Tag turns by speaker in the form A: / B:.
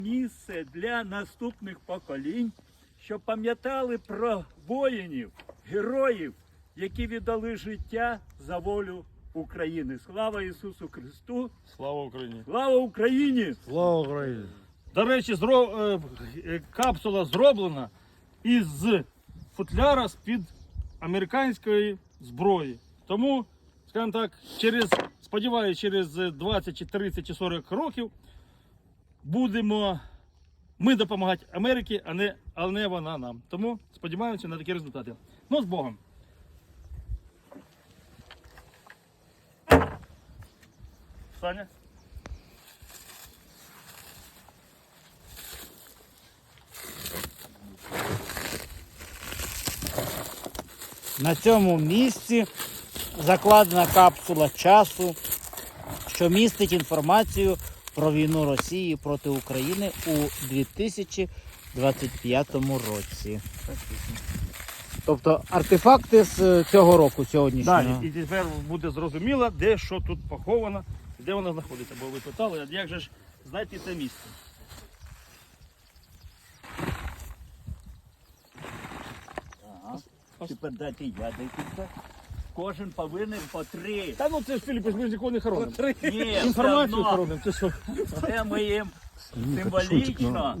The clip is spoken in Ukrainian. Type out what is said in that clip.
A: Місце для наступних поколінь, щоб пам'ятали про воїнів, героїв, які віддали життя за волю України. Слава Ісусу Христу!
B: Слава Україні!
A: Слава Україні!
C: Слава Україні!
B: До речі, капсула зроблена із футляра з-під американської зброї. Тому, скажімо так, сподіваюся, через 20, чи 30, чи 40 років будемо ми допомагати Америці, а не вона нам. Тому сподіваємося на такі результати. Ну, з Богом! Саня?
D: На цьому місці закладена капсула часу, що містить інформацію про війну Росії проти України у 2025 році. Тобто артефакти з цього року, сьогоднішнього.
B: Далі. І тепер буде зрозуміло, де що тут поховано, де воно знаходиться. Бо ви питали, як же ж знайти це місце.
A: Тепер дайте я декілька. Кожен повинен по 3.
B: Та ну це ж, Філіп, ми ж нікого не хоронимо.
A: Ні,
B: Інформацію
A: все одно.
B: хоронимо, це що?
A: Це ми їм символічно